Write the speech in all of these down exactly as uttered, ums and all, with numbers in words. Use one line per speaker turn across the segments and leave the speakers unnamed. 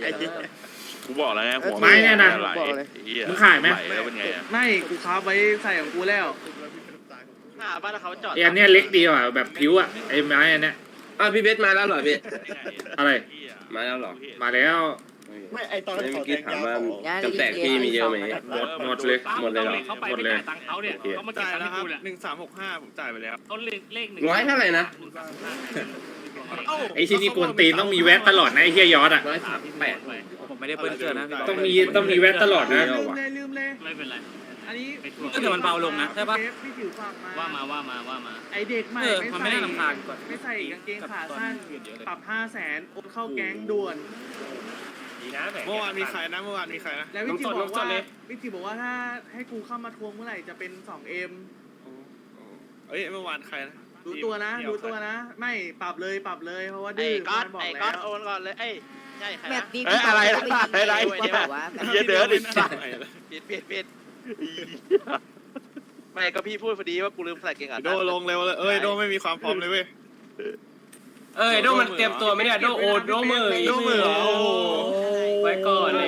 กูบอกแล้วไงหัว
ไม้เนี่ยนะ
ไหล
มึงขายไหม
แล้วเป็นไงอะ
ไม่กูค้าไว้ใส่ของกูแล้ว
หน้าบ้านเขาจอด
ไอ้อันเนี้ยเล็กดีว่ะแบบผิวอ่ะไอ้ไม้อันเนี้ย
อ่ะพี่เบสมาแล้วเหรอพี่
อะไร
มาแล้วเหรอ
มาแล้ว
ไม่ไอตอน
เมื่อกี้ถามว่า
ย่า
จำแตกพี่มีเยอะไหม
หมดหมดเลย
หมดเลยเหรอ
เขาไปไม่จ่ายตังค์เขาเนี่ยเขามาเก็บ
จ่าย
ตังค์
แล้ว
ให้
ครับ
กูแหละ
หนึ่งสามหกห้าผมจ่ายไปแล้ว
ต้นเลขเลขหนึ่ง
ร้อยเท่าไหร่นะ
ไอ้ที่นี่กวนตีนต้องมีแวะตลอดนะไอ้เฮียยอดอ่ะ
ร้อยสามแปด
ผมไม่ได้เปิ้ลเกินนะ
ต้องมีต้องมีแวะตลอดนะ
ลืมเลยลืมเลย
ไม่เป็นไร
อันนี้
ก็แต่มันเบาลงนะใช่ปะ
พี่จิ๋วฝากมา
ว่ามาว่ามาว่ามา
ไอเด็กใหม่
เออมันไม่น่ารำคาญกว่า
ไม่ใส่กางเกงขาสั้นปรับห้าแสนโอนเข้าแก๊งด่วน
เมื่อวานมีใครนะเมื่อวานมีใครนะ
แล้ววิจิบอกว่าวิจิบอกว่าถ้าให้กูเข้ามาทวงเมื่อไหร่จะเป็นสองเอ็ม
เอ้ยเมื่อวานใครนะ
รู้ตัวนะรู้ตัวนะ ไม่ปรับเลยปรับเลยเพราะว่า
ไอ้
ดื้อ
ก๊อต
มันบอก
ไอ้
แล้
ก๊อต
ว
โอนก่อนเลยเอ้ยใช่ใคร
แบ
นะ
บนี้
เอ้ยอะไรนะอะไร
ว่าแบบว่าแบบ
เหี้ยเดินอีกสัตว์
ปิดปิดปิดไม่ก็พี่พูดพอดีว่ากูลืมใส่เกงขา
โดลงเร็วเลยเอ้ยโดไม่มีความพร้อมเลยเว้ย
เอ้ยโดมันเตรียมตัวไหมเนี่ยโดโอโดมือ
โดมือเหรอโอ้โห
ไว้ก่อนเลย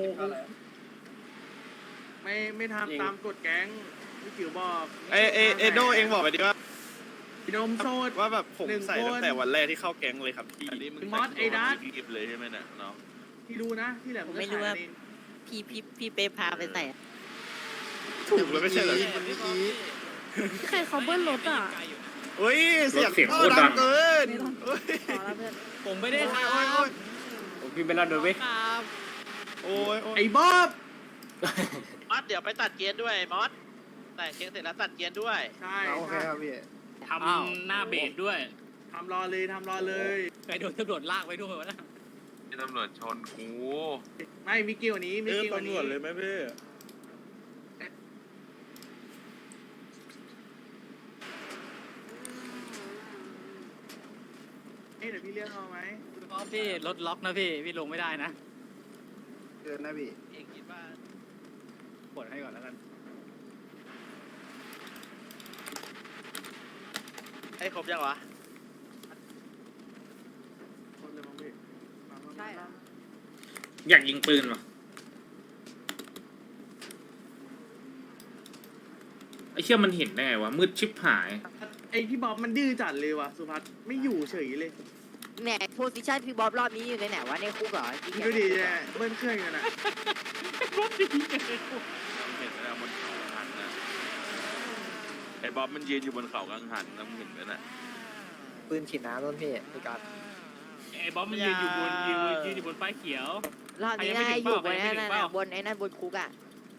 ไม่ไม่ทำตามกฎแก๊งวิจิบอก
ไอเอเอโดเองบอกไปดิว่า
นมโซด
ว่าแบบผม
หนึ่ง
ใส่
คน
ตั้งแต่วันแรกที่เข้าแก๊งเลยครับพี่
อันนี้มึง
มอสไอ้ดัส
กิบเลยใช่ไหมเนี่ยน้อง
ที่รู้นะที่เหลือ
ผมไม่รู้ว่าพี่พี่พี่เปพาไปใส่
ถูกเลยไม่ใช่เหรอ
ใครเขาเบิ้ลรถอ่ะ
เฮ้ยเสียง
เสียง
ท่อ
โคตรดั
ดั
ง
งเกิน
ไม่ต้อง
เฮ้ย
ขอแล้วเพื่อน
ผมไม่ได้
โอ้
ท
ยโอ้ยโอ้ย
พี่เป็นเราโดนไหม
โอ้ยโอ้ย
ไอ้บ๊อบ
มอสเดี๋ยวไปตัดเกียร์ด้วยมอสแต่งเกียร์เสร็จแล้วตัดเกียร์ด้วย
ใช่
โอเคครับพี่
ำทำหน้าเบรดด้วย
ทำรอเลยทำรอเลย
ไปโดนตำรวจลากไปด้วยวะนะ
ที่ตำรวจชนกู
ไม่มีกิ้วนี้มี
เออ
กิ้ว
ตำร
นี้
วจเลยไหมพี่
เอ้ยเดี๋ยวพี่เรียกเขาไหม
พี่รถล็อกนะพี่พี่ลงไม่ได้นะ
เกินนะพี่
เองคิดว่า
ปลดให้ก่อนแล้วกัน
ไอ้ครบยังวะ
คนเลยมองพี่มามามา
ใช่เหรอ
อยากยิงปืนว่ะไอ้เชี่ยมันเห็นได้ไงวะมืดชิบหาย
ไอ้พี่บ๊อบมันดื้อจัดเลยว่ะสุภัสไม่อยู่เฉยเลย
แหมโพสิชันพี่บ๊อบรอบนี้อยู่ในไหนวะในคุกเหรอจริง
ดูดิเนี่ยเบิ้ลเครื่องกันอ่ะ
เห็นไหมนะบนเขากังหันนะไอ้บ๊อบมันยืนอยู่บนเขากังหันนะมึงเห็นไหมน่ะ
ปืนฉีดน้ำต้นพี่พี่กัด
ไอ้บ๊อบมันยืนอยู่บนยืนยืนอยู่บนป้ายเขียว
รอบนี้ได้อยู่บนนั้นน่ะบนไอ้นั่นบนคุกอ่ะ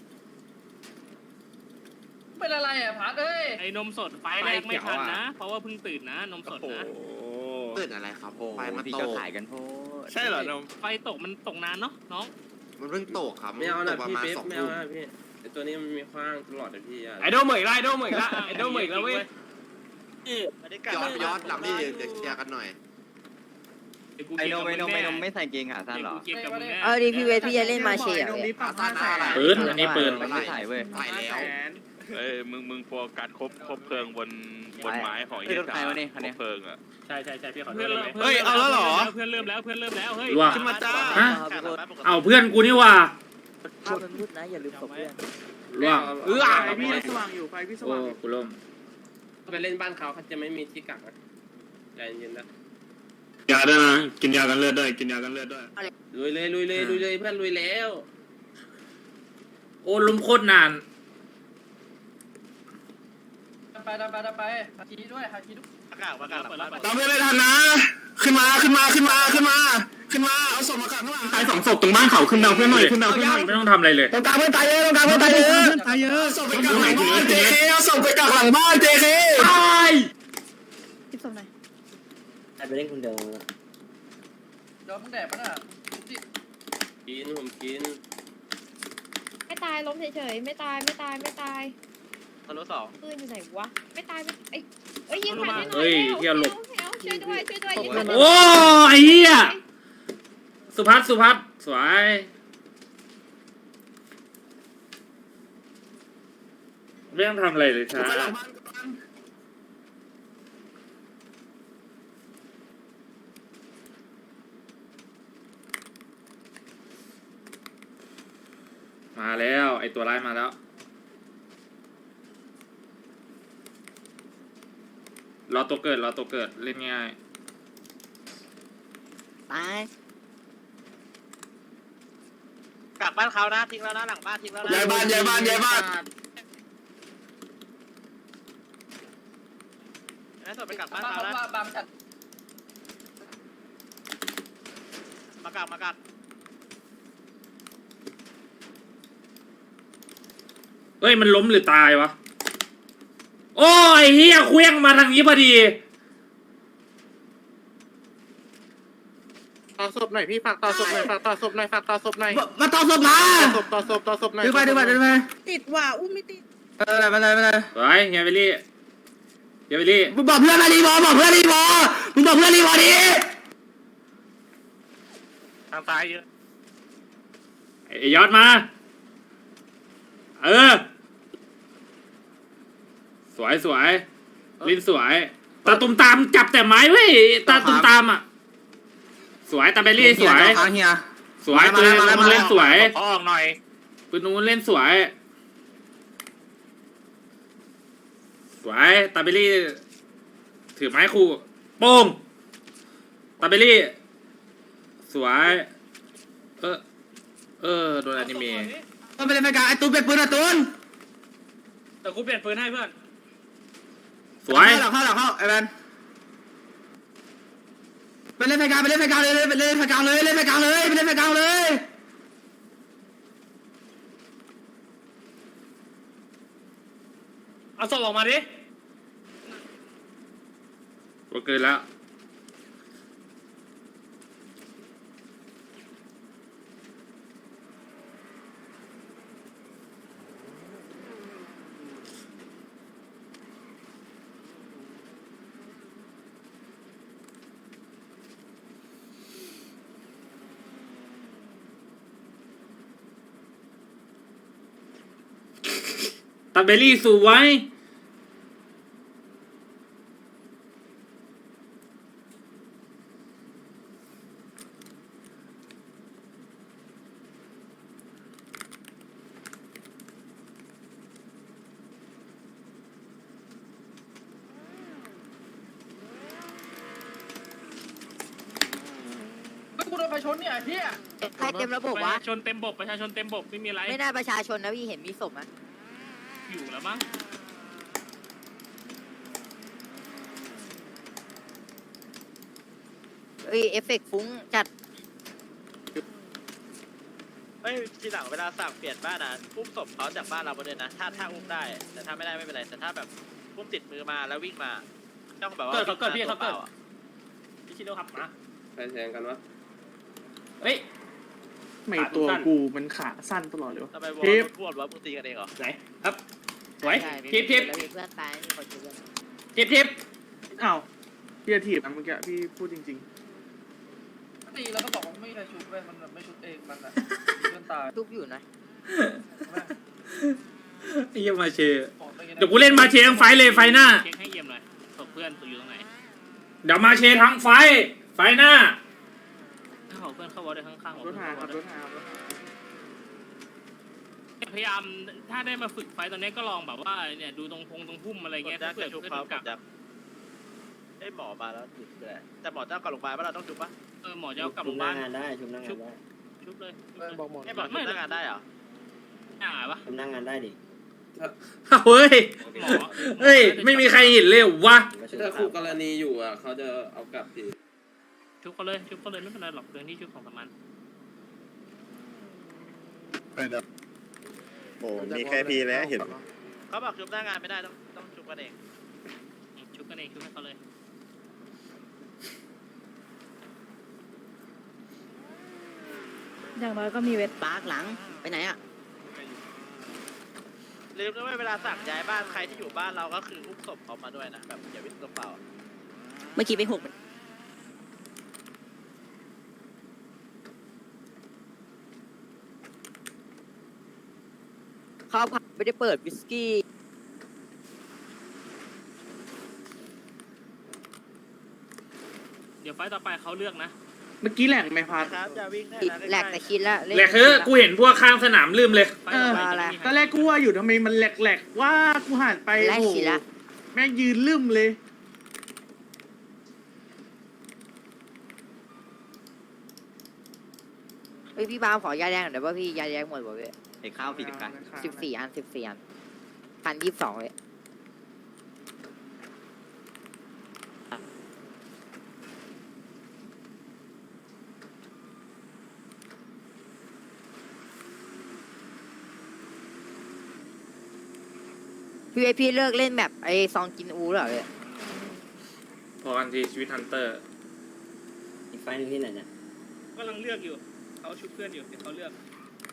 เป็นอะไรอ่ะพัดเอ้ย
ไอ้นมสดไฟแรกไม่ทันนะ เพราะว่าเพิ่งตื่นนะนมสด
โอ้
นะ
โห
ตื่นอะไรครับไฟมัน
พี่
ต
ก็
ก
ขายกันโพด
ใช่เหรอนม
ไฟตกมันตกนานเนาะน้อง
มันเพิ่งตกครับ
ไม่เอา
ต
นะ
กประ
พี่
มาณ
เบฟ
สอง
ไม่เอา
ทุ่ม
นะพี่ไอตัวนี้มันมีคว้างตลอดเลยพี่
ไอโดเหมยละไอโดเหมยละไอโดเหมยละเว้ย
ไม่ได้กัด
ย้อนย้อนหลังนี่เดี๋ยวเดี๋ยวเคลียร์กันหน่อย
ไอโดไอโดไอโดไม่ใส่เกงขาสั้นหรอ
เอาดิพี่เวทพี่จะเล่นมาเชียร์
นมนี้ปรับห้าแสน
ปืนอันนี้ปืน
มันไม่ถ่ายเว้ยถ่าย
ห้า
แล้ว
แสน
เอ้ยมึงมึงโฟกัสครบครบเพลิงบนบนไม้ของไอ้เหี้ยจ๋าครบเพลิงอ่ะ
ใช่ใช่ใช่พี่ขอโทษ
เฮ้ยเอาแล้วเหรอ
เพื่อนเริ่มแล้วเพื่อนเริ่มแล้วเฮ้ย
ขึ้นมาจ้า
ฮะ เอาเพื่อนกูนี่ว่ะ
ภาพมันมืดนะอย่าลืมศพเพื่อน
ร่วง
เออ
ไฟพี่สว่างอยู่ไฟพี่ส
โอ้
ว่างอยู่
กูล่ม
ไปเล่นบ้านเขาเขาจะไม่มีที่กักนะใจเย็นนะ
ยาด้วยนะกินยากันเลือดด้วยกินยากันเลือดด้วย
ลุยเลยลุยเลยลุยเลยเพื่อนลุยแล้ว
โอ้ล้มโคตรนาน
ไปไปไปไปฮาคิด้วยฮาคิด้วย
อากาศอากาศ
เปิดแล้วเปิด
เราไม่ได้ทันนะ ขึ้นมาขึ้นมาขึ้นมาขึ้นมาขึ้นมาเอาศพมาขังข้างหลังตายสองศพตรงบ้านเขาขึ้นดาวเพื่อนหน่อยขึ้นดาวเพื่อนหน่อย
ไม่ต้องทำอะไรเลย
ตรงกลางเพื่อนตายเยอะตรงกลางเพื่อนตายเยอะตายเยอะศพไปกักหลังบ้านเจเคเอาศพไปกักหลังบ้านเจเค
ตาย
คิดสมหน่อย
ไปเล่นคนเดียวโดนมึงแดดปะน่ะกินผมกิน
ไม่ตายล้มเฉยๆไม่ตายไม่ตายไม่ตาย
ทะลุสอง
ปืนอยู่ไหนวะไม่ตายไม่ไอ้เอ้ยยิงผ่านให้หน่อย
เฮ้ยเฮียหลบ
เร็วช่วยด้วยช่วยด้วยยิงผ่าน
โอ้ไอ้เหี้ยสุพัฒน์สุพัฒน์สวยไม่ต้องทำอะไรเลยช้า
ไ
มาแล้วไอตัวร้ายมาแล้วรอตัวเกิดรอตัวเกิดเล่นง่าย
ตาย
กลับบ้านเขานะทิ้งแล้วนะหลังบ้านทิ้งแล้วนะ
ย้ายบ้านย้ายบ้านย้ายบ้าน
งั้นส่งไปกลับบ้านเขานะมากลับมากลับ
เอ้ยมันล้มหรือตายวะโอ้ยเฮียเคว้งมาทางนี้พอดี
ต่อศพหน่อยพี่ฝากต่อศพหน่อยฝากต่อศพหน่อยฝากต่อศพหน่อย
มาต่อศพมา
ศพต่อศพต่อศพหน่อย
ดึงไปดึงไปดึงไป
ติดว่ะอุ้มไม่ติด
เออไม่เป็นไรไม่เป็นไร
สวยเฮียเบลลี่เฮียเบลลี่
มึงบอกเพื่อนมารีบอบอกเพื่อนรีบอมึงบอกเพื่อนรีบอดิ
ทางซ้ายเยอะ
ไอ้ยอดมาเออสวยสวยลิ้นสวยตาตุ่มตามจับแต่ไม้เว้ยตาตุ่มตามอ่ะสวยตาเบลลี่สวย
ทางเฮีย
สวยปืนนู้นเล่นสวย
ขอออกหน่อย
ปืนนู้นเล่นสวยสวยตาเบลลี่ถือไม้คู่โป้งตาเบลลี่สวยเออเออโดนอนิเมะ
ต้องไปเล่นไฟกลางไอ้ตูนเปลี่ยนปืนอ่ะตูน
แต่กูเปลี่ยนปืนให้เพื่อน
สวย
หลังเข้าหลังเข้าไอ้แมนไปเล่นไฟกลางไปเล่นไฟกลางเลยไปเล่นไฟกลางเลยเล่นไฟกลางเลยไปเล่นไฟกลางเลย
เอาศพออกมาดิ
ก็เกินแล้วตาเบลลี่สวย
กูโดนไฟชนเนี่ยเฮีย
ใครเต็มระบบ
ประ
วะ
ชาชนเต็มบบประชาชนเต็มบบไม่มีอะไร
ไม่น่าประชาชนนะพี่เห็นมีศพนะ
อยู่แล้วมั้ง
เอ้ยเอฟเฟกต์ฟุ้งจัด
เฮ้ยทีหลังเวลาสั่งเปลี่ยนบ้านอ่ะอุ้มศพเขาจากบ้านเราไปเลยนะถ้าถ้าอุ้มได้แต่ถ้าไม่ได้ไม่เป็นไรแต่ถ้าแบบอุ้มติดมือมาแล้ววิ่งมาต้องแบบว่า
เกิดเขาเกิดพี่เขาเกิด
ตัวปล่อะ
พี่ชิโร่ครับมา
ไปแทงกันวะ
เฮ้ย
ไม่ตัวกูมันขาสั้นตลอดเลยวะ
ทำไมวอ
ทิ
ล
ป
พูดว่ามึงตีกันเองเหรอ
ไหนครับสวย
ใช่
ทิปทิป
แล้วมีเพื่อนตายมีคนช่วย
ทิปทิป
อ้าวพี่จะถีบนะเมื่อกี้พี่พูดจริง
ตีแล้วก็บอกว่าไม่มีใครชุบเว้ยมันไม่ชุบเองมันอ่ะเพื่อนตาย
ทุบอยู่นะ
ไอ้เหี้ยังมาเชเดี๋ยวกูเล่นมาเชทั้งไฟเลยไฟหน้า
เช็คให้เยี่ยมหน่อยศพเพื่อนตัวอยู่ตรงไหน
เดี๋ยวมาเชทั้งไฟ ไฟหน้า
ถ้าเขาเพื่อนเข้าวอลได้ข้างๆ
ๆรถหาครับรถหาครับ
พยายามถ้าได้มาฝึกไฟตอนนี้ก็ลองแบบว่าเนี่ยดูตรงพงตรงพุ่มอะไร
ก
เงี้ย
ดยัก
เพื่อ
จะชุบ
เพื่อ
เขา
ดู
ก
กั
ด
บ
ยักไอ้ยหมอมาแล้วหยุดเลยแต่หมอเจ้ากลับโรงพยาบาลว่าเราต้องชุบปะ
เออหมอจะเอากลับโรงพยาบาล
ได้ชุบนั่งงานได้
ชุบเลยชุบ
เอ
เล
อย บอกหมด
ไอ้หมอชุบหน้างานได้เหรอ
อ่าปะ
ชุบนั่งงานได้ดิ
เฮ้ย
หมอ
เฮ้ย ไม่มีใครเห็นเลยเหรอวะ
ถ้าคู่กรณีอยู่อ่ะเขาจะเอากลับที
ชุบเขาเลยชุบเขาเลยไม่เป็นไรหรอกเรื่องที่ชุบของสมัน
โอ้มีแค่พีแล้วเห็น
เขาบอกชุบหน้างานไม่ได้ต้องต้องชุบกันเอง
ชุบกันเองชุบให้เขาเลย
อย่างน้อยก็มีเวท
ปาร์กหลังไปไหนอ่ะ
ลืมนะว่าเวลาสั่งย้ายบ้านใครที่อยู่บ้านเราก็คืออุ้มศพเขามาด้วยนะแบบอย่าวิ่งตัวเปล่า
เมื่อกี้ไปหกเขาผับไม่ได้เปิดวิสกี้
เดี๋ยวไฟต์ต่อไปเขาเลือกนะ
เมื่อกี้แหลกไหมพัด
ครับจะวิ่งได้นะ
แหลกแต่คิดแล้ว
แหลกคือกูเห็นพวกข้างสนามลืมเลย
เออ
อะไร
ตอนแรกกูว่าอยู่ทำไมมันแหลกๆว่ากูหันไป
แหลก
โอ้โห
สิละ
แม่งยืนลืมเลย
เฮ้ยพี่บามขอยาแดงหน่อยได้ป่ะพี่ยาแดงหมดป่ะพี่
ไอ้ข้าวสี่สิบกัน
สิบสี่อันสิบสี่อันพันยี่สิบสองเลยพี่ไอพี่เลิกเล่นแบบไอซองกินอูแล้วเหรอพี่
พอกันทีชีวิตฮันเตอร์
อีกไฟล์หนึงที่ไหนเนี่ย
กำลังเลือกอยู่เขาชุบเพื่อนอยู่ที่เขาเลือก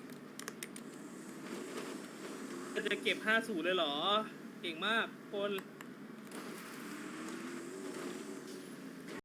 จะเก็บห้าสูเลยเหรอ เก่งมากคน